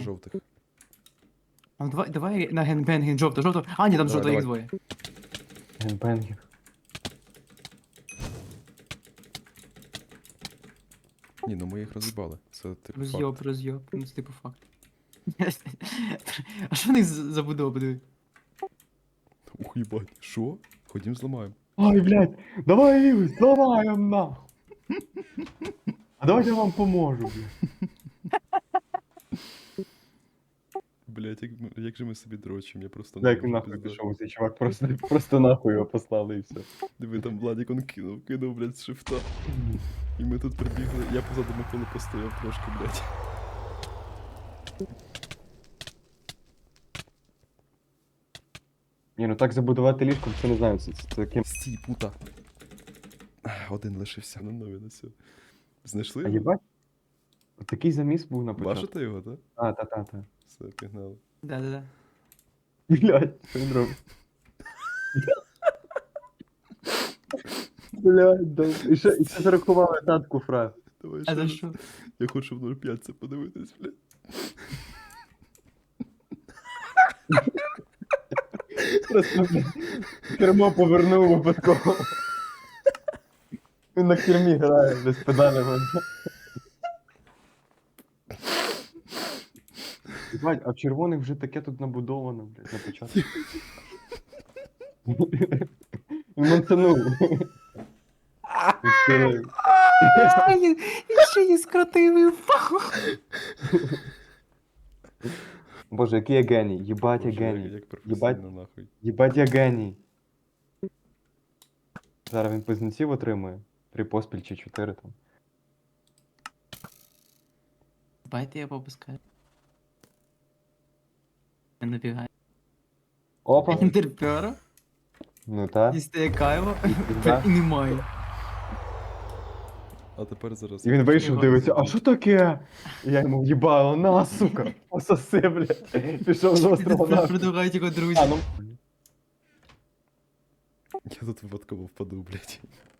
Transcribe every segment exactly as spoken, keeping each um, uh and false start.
жовтих. А, давай, давай на генбенген жовто, жовто. А, ні, там Давай, жовто, їх давай. двоє. Генбенгер. Ні, ну ми їх роз'їбали. Це типу Роз'єб, факт. роз'єб. Ну, це типу факт. А що в них за- забудова, диви? Ух, їбать. Що? Ходім зламаємо. Ой, блядь, давай їх зламаємо нахуй. А давайте я вам поможу, блядь. Блять, як, ми- як же ми собі дрочимо, я просто Як можу, нахуй пизда. пішов цей чувак, просто, просто нахуй його послали і все. Диви, там Владик он кинув, кинув, блядь, з шифта. І ми тут прибігли. Я позаду Миколи постояв трошки, блядь. Ні, ну так забудувати ліжко, це не знаю, це, це таким. Стій, пута. Один лишився на нові на все. Знайшли? А його? їбать? Такий заміс був на початку. Бачите його, так? А, та-та-та. Все, пігнали. Да-да-да. Блядь, що він робить? Блядь, да. І ще, і ще зарахували татку фраз. Давай А ще за раз. що? Я хочу в нуль п'ять це подивитись, блядь. Просто блядь, кермо повернув випадково. Він на кермі грає, без педалями. Бать, а в червоних вже таке тут набудовано, блядь, на початку. І мансанув. Відкрив. І ще її скрутив і впав. Боже, який я геній, їбать я Боже, як- геній. Як Їбать, професійно, нахуй. їбать я геній. Зараз він близнеців отримує. Три поспіль чи чотири там. Байте я попускаю. Я набігаю. Опа! Інтерпера, Ну та. дістає кайво, Да. і немає. А тепер зараз. І він вийшов, Його дивиться, а що таке? І я йому в'їбало, на, сука, пососи, блядь. Пішов з острова нахуй. Предлагають його друзі. А, ну. Я тут випадково впаду, блядь.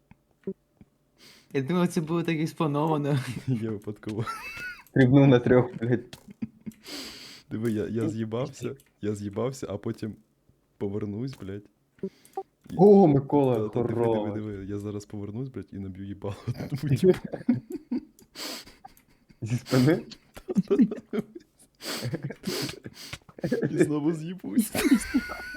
Я думав, це було так і сплановано. Я випадково. Стрибнув на трьох, блядь. Диви, я, я з'їбався, я з'їбався, а потім повернусь, блядь. І- О, Микола, Та- та диви, диви, хорош. диви, я зараз повернусь, блядь, і наб'ю їбало одному типу. Зі спини? І знову з'їбусь.